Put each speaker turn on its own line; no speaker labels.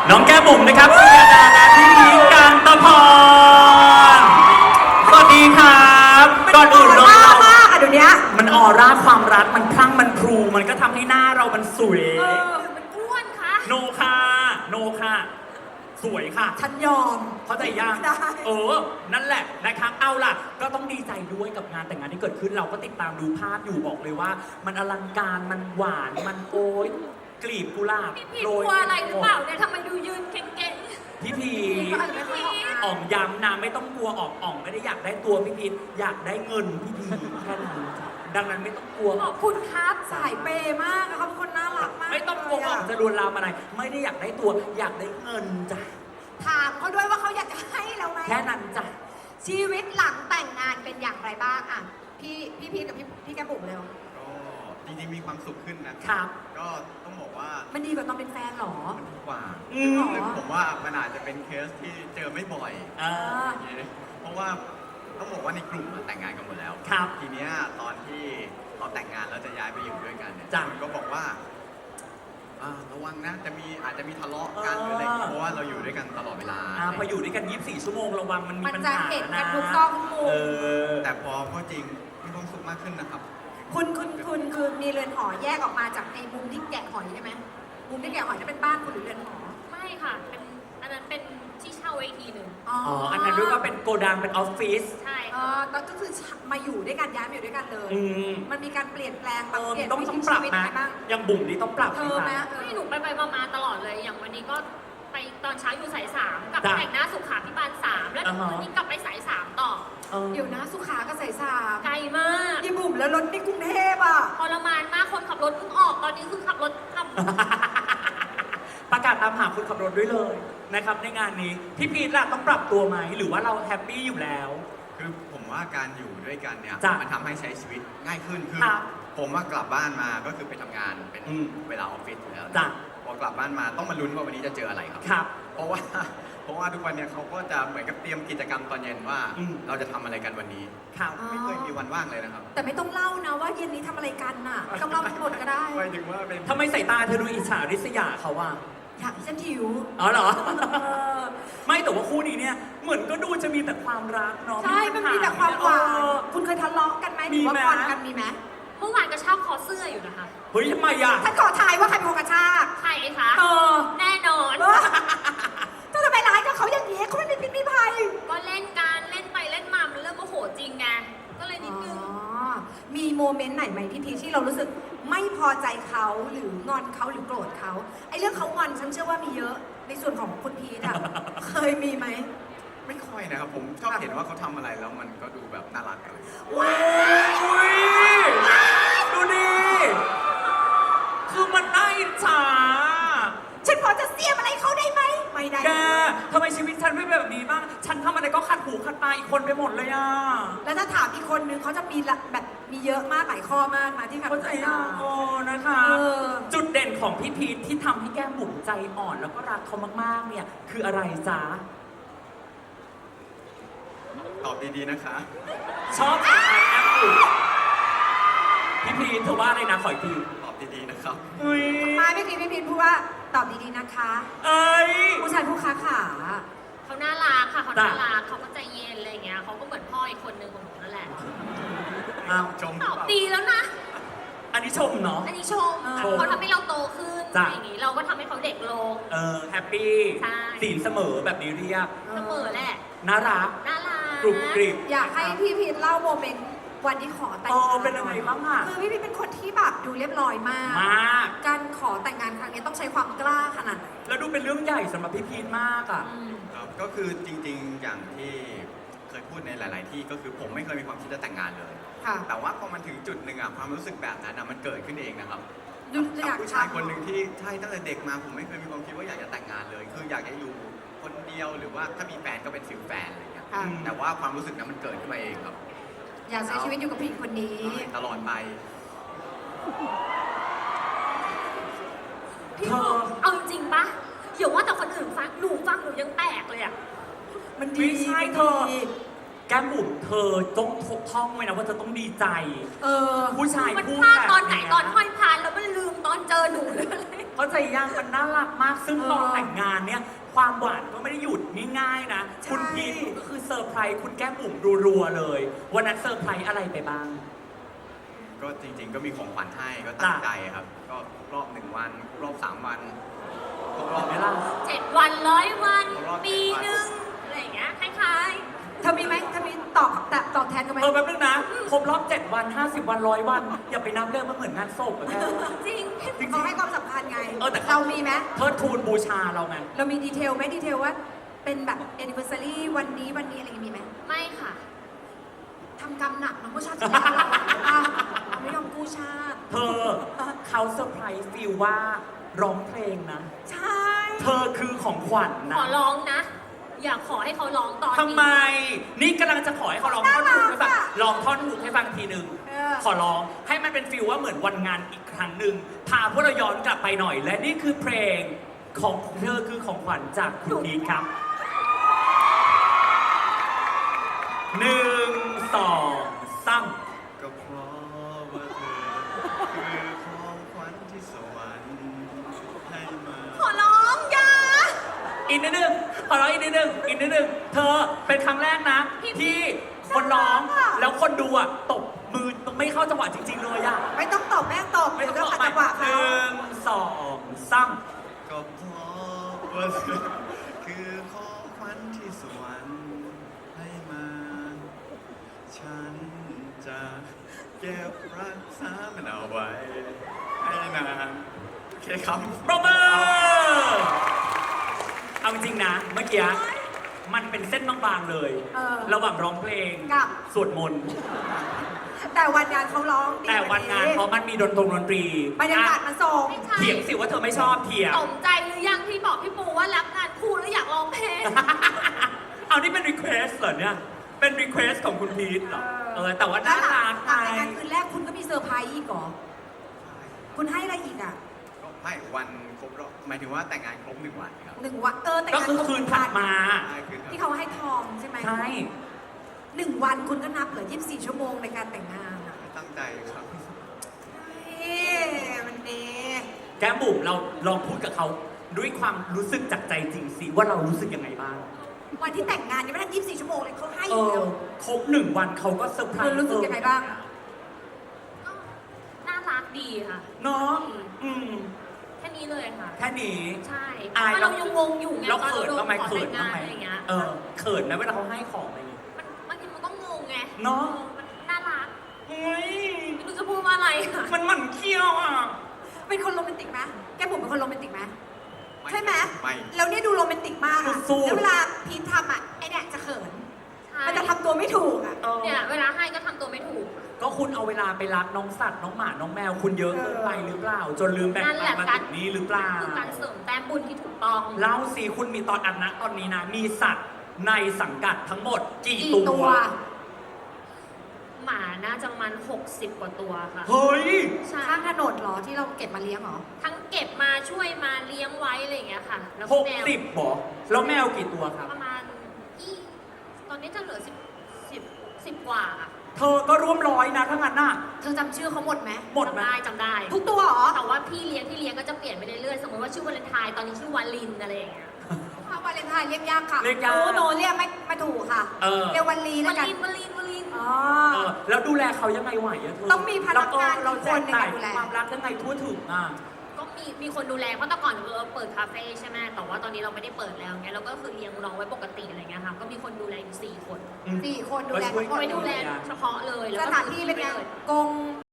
น้องแก้มบุ๋มนะครับสุยดาและพี่พีคกันตะพรสวัสดีครับก่อนอื่นเลยเรา
มากอะเดี๋ยวนี้
มันออร่าความรักมันพลั่งมันพรูมันก็ทำให้หน้าเรามันสวย
มันอ้วนค่ะ
โนค่ะโนค่ะสวยค่ะ
ฉันยอม
เข้าใจยังนั่นแหละนะครับเอาล่ะก็ต้องดีใจด้วยกับงานแต่งงานที่เกิดขึ้นเราก็ติดตามดูภาพอยู่บอกเลยว่า มันอลังการมันหวานมันโอ้ยกลีบกุหลาบ
โรยอะไรหรือเปล่าเนี่ยทำไมดูยืนเก่ง
ๆพี่พีอ่องย้ำนะไม่ต้องกลัวอ่องไม่ได้อยากได้ตัวพี่พีอยากได้เงินพี่พีแค่นั้นดังนั้นไม่ต้องกลัว
ขอบคุณครับ
สายเปย์มากเขาเป็นคนน่ารักมาก
ไม่ต้องกลัวอ่องจะลวนลามอะไรไม่ได้อยากได้ตัวอยากได้เงินจ้ะ
ถามเขาด้วยว่าเขาอยากจะให้เราไหม
แค่นั้นจ้ะ
ชีวิตหลังแต่งงานเป็นอย่างไรบ้างอ่ะพี่พีกับพี่แก้มบุ๋มเร็ว
จริงๆมีความสุขขึ้นนะครับก็ต้องบอกว่า
มันดีกว่าตอนเป็นแฟนหรอ
มันดีกว่าผมว่ามันอาจจะเป็นเคสที่เจอไม่บ่อยเพราะว่าต้องบอกว่าในกลุ่มแต่งงานกันหมดแล้วทีเนี้ยตอนที่เราแต่งงานแล้วจะย้ายไปอยู่ด้วยกันเนี่ยมันก็บอกว่าระวังนะอาจจะมีทะเลาะกันหรืออะไรเพราะว่าเราอยู่ด้วยกันตลอดเวลา
พออยู่ด้วยกัน24 ชั่วโมงระวังมันมีปัญหา
นะทุกซอกทุกมุม
แต่พอจริงมีความสุขมากขึ้นนะครับ
คุณคือมีเรือนหอแยกออกมาจากในมุมที่แกะหอยใช่ไหมมุมที่แกะหอยจะเป็นบ้านคุณหรือเรือนหอ
ไม่ค่ะเป็นอันนั้นเป็นที่เช่าอีกทีหนึ่ง
อันนั้นด้วยก็เป็นโกดังเป็นออฟฟิศ
ใช่
แล้วก็คือมาอยู่ด้วยกันย้ายมาอยู่ด้วยกันเลยมันมีการเปลี่ยนแปลง
เปลี่ยนต้องปรับนะยังบุ๋มนี่ต้องปรับ
ไหมหนูไปมาตลอดเลยอย่างวันนี้ก็ไปตอนเช้าอยู่สาย3กับแต่งหน้าสุขาพิบาล3แล้ววันนี้กลับไปสาย3ต่อ
เดี๋ยวนะสุขาก็สาย3
ไกลมาก
ยี่บุ๋มแล้วรถในกรุงเทพอ่ะ
ทรมานมากคนขับรถเพิ่งออกตอนนี้คือขับรถ
ประกาศตามหาคนขับรถด้วยเลยนะครับในงานนี้พี่พีทล่ะต้องปรับตัวไหมหรือว่าเราแฮปปี้อยู่แล้ว
คือผมว่าการอยู่ด้วยกันเนี่ยมันทำให้ใช้ชีวิตง่ายขึ้นคือผมว่ากลับบ้านมาก็คือไปทำงานเป็นเวลาออฟฟิศอยู่แล้วพอกลับบ้านมาต้องมาลุ้นว่าวันนี้จะเจออะไรครับเพราะว่าทุกวันเนี่ยเขาก็จะเหมือนกับเตรียมกิจกรรมตอนเย็นว่าเราจะทำอะไรกันวันนี้ไม่เคยมีวันว่างเลยนะครับ
แต่ไม่ต้องเล่านะว่าเย็นนี้ทำอะไรกันน่ะต้องเล่าทั้งหมดก็ได้
ไม่ถึงว่าเป็น
ทำไมสายตาเธอดูอิจฉาริษยาเขาว่า
อยากฉันหิว
เหรอไม่แต่ว่าคู่นี้เนี่ยเหมือนก็ดูจะมีแต่ความรักเนาะ
ใช่มันมีแต่ความหวานคุณเคยทะเลาะกันไหมหรือว่างอนกันมีไหม
เมื่อวานกระชากคอเสื้ออยู่นะคะ
เฮ้ยทำไมอ่ะ
ถ้าขอทายว่าใครเป็นคนกระชาก
ใครคะแน่นอน
ถ้าทำไมร้ายกับเขาอย่างนี้เขาไม่มีพิษมีภัย
ก็เล่นการเล่นไปเล่นมามันเริ่มโมโหจริงไงก็เลยนิดนึง
มีโมเมนต์ไหนไหมพี่พีที่เรารู้สึกไม่พอใจเขาหรืองอนเขาหรือโกรธเขาไอ้เรื่องเขางอนฉันเชื่อว่ามีเยอะในส่วนของคุณพีทอะเคยมีไหม
ไม่ค่อยนะครับผมชอบเห็นว่าเขาทำอะไรแล้วมันก็ดูแบบน่ารักอะไร
ว้าวดูดิคือมันน่าอิจฉา
ฉันพอจะเสียมอะไรเขาได้ไหมไม่ได้
แกทำไมชีวิตฉันไม่แบบนี้บ้างฉันทำอะไรก็ขัดหูขัดตาอีกคนไปหมดเลยอ่ะ
แล้วถ้าถามอีกคนนึงเขาจะมีแบบมีเยอะมากหลายข้อมากมาที่ขัดหูขัดตา
นะคะจุดเด่นของพี่พีทที่ทำให้แก้มบุ๋มใจอ่อนแล้วก็รักเขามากๆเนี่ยคืออะไรจ๊ะ
ตอบดีๆนะคะ
ชอบแก้มบุ๋มพี่พีทเธอว่าอะไรนะขออีกที
ตอบดีๆนะครับ
มาเมื่อกี้พี่พีทพูดว่าตอบดีๆนะคะผู้ชายผู้ค้าขา
เขาน่ารักค่ะเขาน่ารักเขาก็ใจเย็นอะไรเงี้ยเขาก็เหมือนพ่ออีกคนนึงของหนูนั่นแหละ
ชม
ตอบดีแล้วนะ
อันนี้ชมเนาะ
อันนี้ชมเขาทำให้เราโตขึ้นอย่างนี้เราก็ทำให้เขาเด็กลง
แฮปปี้ศีลเสมอแบบนี้เรียก
เสมอแหละ
น่ารักกรุบกริบ
อยากให้พี่พีทเล่าโมเมนต์วันที่ขอแต่งงาน
เป็นยังไงบ้างอ่ะ
คือพี่พีทเป็นคนที่แบบดูเรียบร้อยมากการขอแต่งงานครั้งนี้ต้องใช้ความกล้าขนาดไหน
แล้วดูเป็นเรื่องใหญ่สำหรับพี่พีทมากอ่ะ
ก็คือจริงๆอย่างที่เคยพูดในหลายๆที่ก็คือผมไม่เคยมีความคิดจะแต่งงานเลยแต่ว่าพอมันถึงจุดหนึ่งอ่ะความรู้สึกแบบนั้นมันเกิดขึ้นเองนะครับกับผู้ชายคนหนึ่งที่ใช่ตั้งแต่เด็กมาผมไม่เคยมีความคิดว่าอยากจะแต่งงานเลยคืออยากจะอยู่คนเดียวหรือว่าถ้ามีแฟนก็เป็นฟิลแฟนอะไรอย่างเงี้ยแต่ว่าความรู้สึกนั้นมันเกิดขึ้นมาเองครับ
อยากใช้ชีวิตอยู่กับผู้หญิงคนนี้
ตลอดไป
พี่เอาจริงปะอย่าว่าแต่คนอื่นฟังหนูยังแปลกเลยอะ
มันดี
ใช่เธอแก้มบุ๋มเธอต้องท่องไว้นะว่าเธอต้องดีใจผู้ชาย
พูดแบบตอนไหนตอนห้อยพานแล้วมันลืมตอนเจอหนูเลย
เข้เข้าใจยังมันน่ารักมากซึ่งตอนแต่งงานเนี่ยความหวานก็ไม่ได้หยุดง่ายๆนะ
ใช่
คุณพีทก็คือเซอร์ไพรส์คุณแก้มบุ๋มรัวๆเลยวันนั้นเซอร์ไพรส์อะไรไปบ้าง
ก็จริงๆก็มีของขวัญให้ก็ตั้งใจครับ ก็ครบรอบ1 วันครบรอบ3 วันครบรอบ
ไหมล่ะ
7 วัน100 วัน
ครบรอบ
ปีหนึ่งอะไรอย่างเงี้ยคล้าย
เธอมีไหมเธอมีตอบแทนกันไหม
แป๊บนึงนะครบรอบ 7 วัน 50 วัน 100 วัน อย่าไปนับเรื่องมันเหมือนงานศพอะแม่
ๆ จริง
เขาให้ความสำคัญไง
แต่
เรามีไหม
เทิดทูนบูชาเราไง
เรามีดีเทลไหมดีเทลว่าเป็นแบบ anniversary วันนี้อะไรอย่างงี้มีไหม
ไม่ค่ะ
ทำกรรมหนักน้องก็ชาติที่แล้วเราไม่ยอมกู้ชาติ
เธอเขาเซอร์ไพรส์ฟิลว่าร้องเพลงนะ
ใช่
เธอคือของขวัญ
ข
นะ
อร้องนะ อยากขอให้เขาร้องตอนนี้
ทำไม นี่กำลังจะขอให้เขาร้องท่อนฮุกให้ฟังลองท่อนฮุกให้ฟังทีหนึ่ง ขอร้องให้มันเป็นฟิลว่าเหมือนวันงานอีกครั้งหนึ่งพาพวกเราย้อนกลับไปหน่อย และนี่คือเพลงของเธอคือของขวัญจากคุณพีทครับ1 2 3
ก็เพราะว่าเธอคือของขวัญที่สวรรค์ให้มา
ขอร้องอย่า
อีกนิดนึงขอร้องอีกนิดนึงอีกนิดนึงเธอเป็นครั้งแรกนะ ที่คนร้องแล้วคนดูอ่ะตบมือไม่เข้าจังหวะจริง ๆ เลยอ่ะ
ไม่ต้องตอบแม่ตอบ
ไม่ต้อง
เดี๋ยว
ตอบ
ขัดจังหวะ
ห
เขา
นึ่งสองสาม
ก็เพราะว่าเธอคือของขวัญที่สวรรค์ให้มา ฉันจะเก็บรักษามันเอาไว้ให้นานโอเคครับ
ปรบมือเอาจริงๆนะ เมื่อกี้มันเป็นเส้นบางๆเลย ระหว่างร้องเพลง
กับ
สวดมนต์
แต่วันงานเขาร้องดี
แต่วันงานเพราะมันมีดนตรี
บรรยากาศมันส่ง
ไม่ใช่
เถียงสิว่าเธอไม่ชอบเถียง
สมใจหรือยังที่บอกพี่ปูว่ารับงานคู่แล้วอยากร้องเพลง
เอานี่เป็นรีเควสเหรอเนี่ย เป็นรีเควสของคุณพีทเหรอ แต่ว่าน่ารัก
หลัง
ไง
จากคืนแรกคุณก็มีเซอร์ไพรส์อีกเหรอ คุณให้อะไรอีกอ่ะ
ก็ไม่วันครบรอบหมายถึงว่าแต่งงานครบ1 วันครับ
1 วันแต่ง
ก็
งาน
คือคืนถัดมา
ใช่คือ
ที่เขาให้ทองใช่ไหม
ใช่
1 วันคุณก็นับเหลือ24 ชั่วโมงในการแต่งงานอ่ะ
ตั้งใจครับ
เฮ้มันดี
แก้มบุ๋มเราลองพูดกับเขาด้วยความรู้สึกจากใจจริงสิว่าเรารู้สึกยังไงบ้าง
วันที่แต่งงานยังไม่ได้24 ชั่วโมงเลยเขาให้
เอ
อยู่
อ
แล้ว
ครบ1 วันเขาก็เซอร์ไพร
คุณ
ส์
รู้สึกยังไงบ้าง
ก็น่ารักดีค่ะ
เนาะอืม
แค่นี้เลยค่ะ
แค่นี้
ใช่
อาย
เพราะเรายังงงอยู่ไง
เรา
ตอน
เขิน
โดน
บ้างไหม
ขอ
เขิ
แต่
น
ง
บ้าง
งาน
ไหม
อะไรอย่างเงี้ย
เขินไหมเวลาเขาให้ของอะไรอย่างเงี้ย
มันบางทีมันก็งงไง
เนอะ
มันน่ารัก
เฮ้ย
ไม่รู้จะพูดว่าอะไรอะ
มันหมั่นเคี้ยวอ่ะ
เป็นคนโรแมนติกไหมแก้มบุ๋มเป็นคนโรแมนติกไหมใช่ไหม
ไม่
แล้วเนี่ยดูโรแมนติกมากอะ
สู้ๆ
แล้วเวลาพีททำอ่ะไอเนี่ยจะเขิน
ใช่
มันจะทำตัวไม่ถูกอ่ะ
เออ
เนี่ยเวลาให้ก็ทำตัวไม่ถูก
ก็คุณเอาเวลาไปรักน้องสัตว์น้องหมา น้องแมว คุณเยอะเกินไปหรือเปล่า จนลืมแบ่ง
นั่นแห
ปัน
ละ
มา
การ
ถึงนี้หรือเปล่า
คือการเสริมแต้มบุญที่ถูกต้อง
เล่าสิคุณมีตอนอันนะตอนนี้นะ มีสัตว์ในสังกัดทั้งหมดกี่
กี่
ตั
ตัว ว
หมาน่าจะประมาณ60 กว่าตัวค่ะ
เฮ้ย
ใช่
ข้างถนนเหรอที่เราเก็บมาเลี้ยงเหรอ
ทั้งเก็บมาช่วยมาเลี้ยงไว้อะไรอย่างเงี้ยค่ะ แล้ว
ห
ก็
ก
แมว
สิบบอกแล้วแมวกี่ตัวครับ
ประมาณตอนนี้จะเหลือ10 กว่าค่ะ
เธอก็ร่วมร้อยนะถ้างั้นน่ะ
เธอจำชื่อเขาหมดไหม
หมดไหม
จำได้
ทุกตัวเหรอ
แต่ว่าพี่เลี้ยงที่เลี้ยงก็จะเปลี่ยนไปเรื่อยๆ สมมติว่าชื่อวาเลนไทน์ตอนนี้ชื่อวาลินอะไรอย่างเงี้ย
ถ้าวาเลนไทน์เรียกยากค่ะ
เรียกยาก
โอ้โนเรียกไม่ถูกค่ะ
เออ
เรียกวันลีแล้ว
วา
กัน
ลินวาลินวาลิน
อ๋อ
แล้วดูแลเขายังไงไหวอะเธอ
ต้องมีพนักงาน
เรา
กี่คนในการดูแล
ความรักยังไงทั่วถึงอ่ะ
ก็มีคนดูแลเพราะแต่ก่อนเราเปิดคาเฟ่ใช่ไหมแต่ว่าตอนนี้เราไม่ได้เปิดแล้วเงี้ยเราก็คือเลี้ยงน้องไว้ปกติอะไรเงี้ยค่ะก็มีคนดูแลอยู่4 คน
4 คนดูแลทั้งหมด
ไว้ดูแลเฉพาะเลย
ส
แล้วก็
ถานที่เป็นไง
เลย
กง